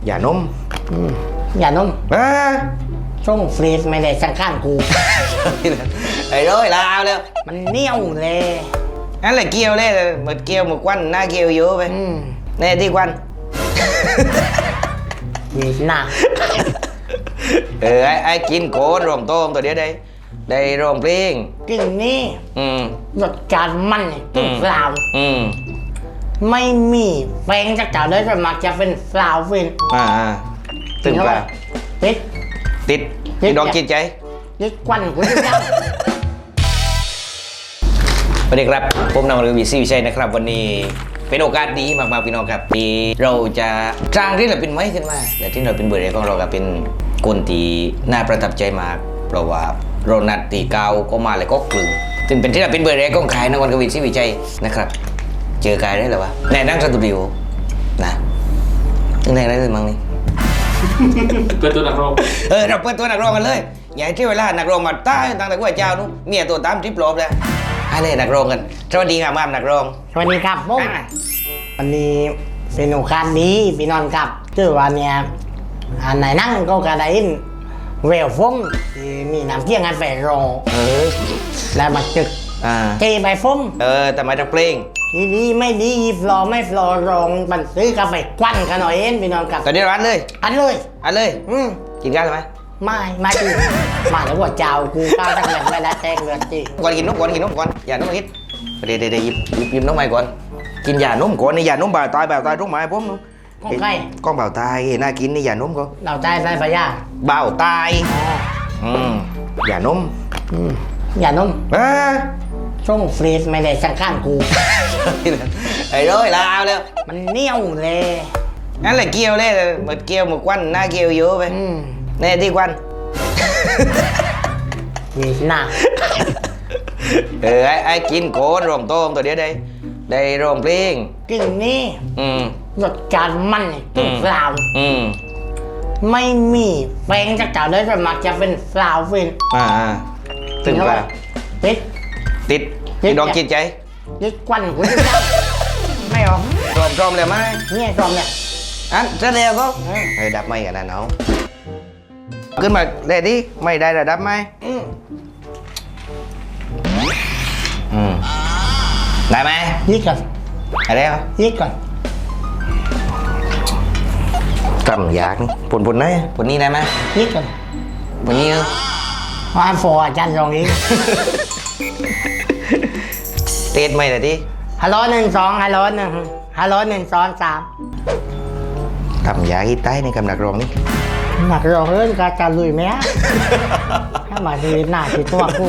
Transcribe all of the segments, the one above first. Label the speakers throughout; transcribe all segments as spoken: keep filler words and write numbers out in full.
Speaker 1: อย่านม
Speaker 2: อย่านม
Speaker 1: อ่า
Speaker 2: ช่องฟรีซไม่ได้สังข้างกู
Speaker 1: ไอ้ร้อยลาวแล้ว
Speaker 2: มันเหนียวเลย
Speaker 1: นั่นแหละเกียวเลยหมดเกียวหมดควันหน้าเกียวเยอะไปแน่ที่ควัน
Speaker 2: มีหน้า
Speaker 1: เออไอ้ไอ้กินโคนรวมโต้งตัวเดียวได้ได้รวมเพลง
Speaker 2: กินนี่
Speaker 1: อืม
Speaker 2: รสชาติมันตึ้งเปล่า
Speaker 1: อืม
Speaker 2: ไม่มีแป้งจากเจ้าเลยจะมักจะเป็นเปล่าฟิน
Speaker 1: อ่าตึ้งเปล่า
Speaker 2: ติด
Speaker 1: ติดติดดอกจิตใจ
Speaker 2: ติดควันกูจะยัง
Speaker 1: สวัสดีครับผมนำมาวีซีวิชัยนะครับวันนี้เป็นโอกาสดีมากๆพี่น้องครับที่เราจะจ้างที่เราเป็นไม้ขึ้นมาแต่ที่เราเป็นเบอร์เรของเราก็เป็นคนที่น่าประทับใจมากเพราะว่าเรานัดตีเก้าก็มาเลยก็กลึงถึงเป็นที่เราเป็นเบอร์เรของขายนวันกวีซีวิชัยนะครับเจอกายได้หรอวะในนั่งสตูดิโอนะนึกได้เลยมั้งนี่
Speaker 3: เปิดตัวนักร้อง
Speaker 1: เออเราเปิดตัวนักร้องกันเลยอย่าให้ที่เวลานักร้องมาใต้ตั้งแต่ว่าเจ้านู้เมียตัวตามทริปลบเลยอะไรนักร้องกันสวัสดีครับมามนักร้อง
Speaker 2: สวัสดีครับผมวันนี้เป็นโอกาสดีพี่นอนครับชื่อว่าเนี่ยอันไหนนั่งก็กระไดนเวลฟงที่มีน้ำเที่ยงงานแฝงรอ
Speaker 1: เออ
Speaker 2: แล้วมาจึก
Speaker 1: อ่า
Speaker 2: เทใบฟง
Speaker 1: เออแต่มาจากเพลง
Speaker 2: ดีดีไม่ดีฟลอไม่ฟลอรองมันซื้อกาแฟควันกันหน่อยเอ็นพี่นอนครับ
Speaker 1: ตอนนี้ร้านเลย
Speaker 2: อันเลย
Speaker 1: อันเลย
Speaker 2: อืม
Speaker 1: กินกันไหม
Speaker 2: ไม่ไม่กินมาแล้วหัวเจ้ากูก้าวตั้งแต่ไม่ได้แตกเลือดจี
Speaker 1: ก่อนกินนมก่อนกินนมก่อนอย่านมคิดเดี๋ยวเดี๋ยวหยิบหยิบหยิบนมใหม่ก่อนกินยานมก่อนนี่ยานมบ่าวตายบ่าวตายรุ่งไม้ผมนู้
Speaker 2: ก้องไก่
Speaker 1: ก้องบ่าวตายน่ากินนี่ยานมก็
Speaker 2: เราตายได้ปะย่า
Speaker 1: บ่าวตายอืมยานม
Speaker 2: อืมยานม
Speaker 1: อ่า
Speaker 2: ช่องฟรีซไม่ได้สังข้างกู
Speaker 1: ไอ้ร้อยลาวแล้ว
Speaker 2: มันเหนียวเลย
Speaker 1: นั่นแหละเกียวเลยหมดเกียวหมดควันหน้าเกียวเยอะไปแน่ที่ควัน
Speaker 2: มีหน้า
Speaker 1: เออไอ้ไอ้กินโคนรวมโต้งตัวเดียวได้ได้รวมเพลง
Speaker 2: กินนี่
Speaker 1: อืม
Speaker 2: รสชาติมันตึ้งเปล่า
Speaker 1: อืม
Speaker 2: ไม่มีแป้งจากเจ้าเลยจะมักจะเป็นเปล่าฟิน
Speaker 1: อ่าตึ้งเปล่า
Speaker 2: ติด
Speaker 1: ติดติดดอกจิตใจ
Speaker 2: ติดควันกูจะยังไม่ออก
Speaker 1: รวมรวมเลยไหม
Speaker 2: เนี่ยรวมเนี่ย
Speaker 1: อันจะเร็วก็เออดับไม่กันนะน้องขึ้นมาเลยดิไม่ได้ระดับไหมอืมอืมได้ไหม
Speaker 2: ยิกก่อน
Speaker 1: อะไรวะ
Speaker 2: ยิกก่อน
Speaker 1: กำยากผลผลไหนผลนี้ได้ไหม
Speaker 2: ยิกก่อน
Speaker 1: ผลนี้เออ
Speaker 2: ว่าโฟอาจารย์รองอีก
Speaker 1: เตะไม่เลยดิ
Speaker 2: ฮัลโหลหนึ่งสองฮัลโหลหนึ่งฮัลโหลหนึ่งสองสาม
Speaker 1: กำยากที่ใต้ในกำหนักรองนี่
Speaker 2: หนักรองเรื่องการการลุยไหมถ้ามาดีหน้าที่ตัวกู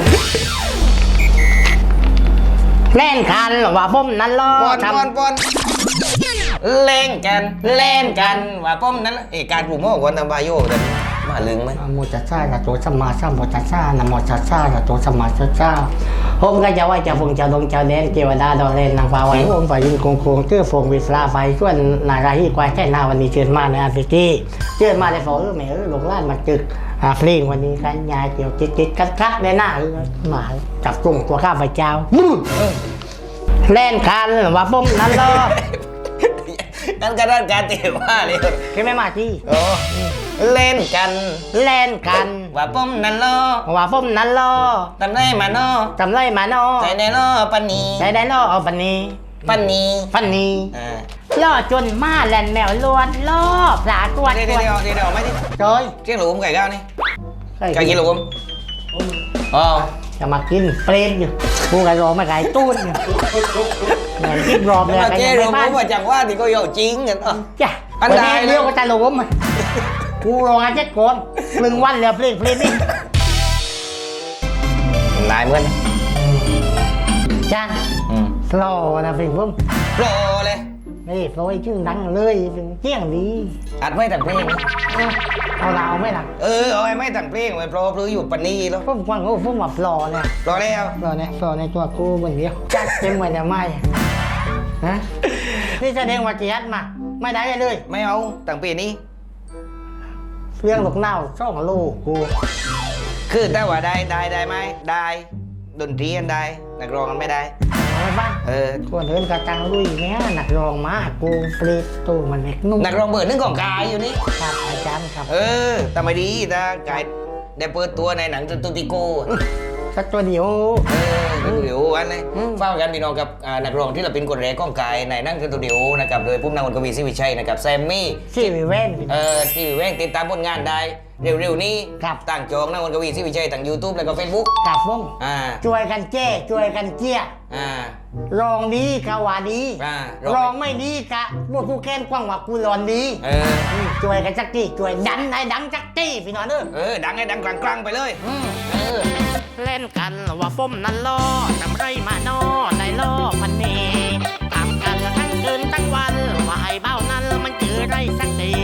Speaker 2: เล่นกันหรอว่าผมนั่นล้อ
Speaker 1: ปอนปอนปอนเล่นกันเล่นกันว่าผมนั้นเอการปลูกมะกวนทำบาโยแต่มาลึงไหม
Speaker 2: โมจัสซาจะตัวสมาสัมโมจัสซานะโมจัสซาจะตัวสมาจัสซาผมก็จะว่าจะฟงจะลงจะเล่นเกวดาดอเล่นนางฟ้าไว้ผมฝ่ายยิงโกงโกงเชื่อฟงวิสลาไฟส่วนนาราฮีกวายแค่นาวันนี้เชิญมาในอาฟิกี้เชิญมาในฝอเออแม่เออหลงล้านมาจึกอาฟลิงวันนี้กันยายเกี่ยวจิกจิกกัดกัดในหน้าหมาจับกลุ่มตัวข้าพเจ้าเล่นกันว่าผมนั่นล้อ
Speaker 1: นั่นก็ด้านการเตะว่าเลย
Speaker 2: คือไม่มาที่
Speaker 1: เล่นกัน
Speaker 2: เล่นกัน
Speaker 1: ว่าผมนั่นล้อ
Speaker 2: ว่าผมนั่นล้อ
Speaker 1: จำได้มาโน่
Speaker 2: จำได้มาโน่
Speaker 1: ใจได้ล้อปันนี
Speaker 2: ใจได้ล้อเอาปันนี
Speaker 1: ปันนี
Speaker 2: ปันนีล่อจนมาแลนแมวล้วนล่อปลาตัว
Speaker 1: เดี๋ยวเดี๋ยวเดี๋ยวเดี๋ยวไม่ดิ
Speaker 2: โดย
Speaker 1: เจี๊ยงหลุมไก่ก้าวนี่ไก่กินหลุมอ๋อ
Speaker 2: จะมากินเปรตอยู่กูไก่รอมาไก่ตู้นอยู่เหมือนกินรอบเลย
Speaker 1: ไก่รอผมมาจากว่าที่ก็อยู่จริงกันอ่ะ
Speaker 2: จ้ะอันใดเรื่องก็จะหลุมกูรองานเจ็ดคนครึ่งวันเลยเพลงเพลงนี่
Speaker 1: นายเหมือน
Speaker 2: จ้างโฟล์นะเพลงผม
Speaker 1: โฟล์เลย
Speaker 2: นี่โฟล์ชื่อดังเลยเที่ยงดี
Speaker 1: อัดไม่แต่งเพลง
Speaker 2: เอาเราไม่หลัง
Speaker 1: เออเอาไม่แต่งเพลงไว้โฟล์หรืออยู่ปันนีแล้ว
Speaker 2: ผมฟังเขาผมว่าโฟล์เนี่ย
Speaker 1: โฟล์แล้ว
Speaker 2: โฟล์เนี่ยโฟล์ในตัวกูเหมือนเดียวจัดเต็มเหมือนจะไม่ฮะนี่แสดงว่าจีฮัดมาไม่ได้เลย
Speaker 1: ไม่เอาแต่งปีนี้
Speaker 2: เรื่องลูกเน่าช่องลูกกู
Speaker 1: คือแต่ว่าได้ได้ได้ไหมได้ดนตรีกันได้นักร้องกันไม่ได้
Speaker 2: โอ้ไหมบ้าง
Speaker 1: เออ
Speaker 2: คนเดินกระจังลุยเนี้ยหนักรองมากกูปลีดตู้มันเล็กนุ่ม
Speaker 1: นักร้องเบอร์หนึ่งของกายอยู่นี่
Speaker 2: ครับอาจารย์ครับ
Speaker 1: เออแต่ไม่ดีแต่กายได้เปิดตัวในหนังตุติโก
Speaker 2: สักตัวเดียว
Speaker 1: เออสตูดิโออันนี้
Speaker 2: อืม
Speaker 1: เฝ้ากันพี่น้องกับอ่านักร้องที่เราเป็นคนแรกของกายในหนั่งสตูดิโอนะครับโดยพุ่มนางวนกวีศรีวิชัยนะครับแซมมี่
Speaker 2: ที่วิเว่น
Speaker 1: เออที่แว่งติดตามผลงานได้เร็วๆนี้
Speaker 2: ครับ
Speaker 1: ต่างจองนางวนกวีศรีวิชัยทาง YouTube แล้วก็ Facebook
Speaker 2: กับผม
Speaker 1: อ่า
Speaker 2: ช่วยกันแจ้ช่วยกันเจี้ย
Speaker 1: อ่า
Speaker 2: รองดีกะว่าดี
Speaker 1: อ่าร
Speaker 2: รองไม่ดีกะพวกกูแค้นกว้างว่ากูรอนดี
Speaker 1: เออ
Speaker 2: มช่วยกันจักจี้ช่วยดันให้ดังจักจี้พี่น้องเด้อ
Speaker 1: เออดังให้ดังกลางๆไปเลย
Speaker 2: อืม
Speaker 1: เออ
Speaker 2: เล่นกันว่าฟมนั้นล่อจำไรมานอได้ล่อพันเนตามกันทั้งคืนทั้งวันว่าไอ้เบ้านั้นมันเจอไรสักที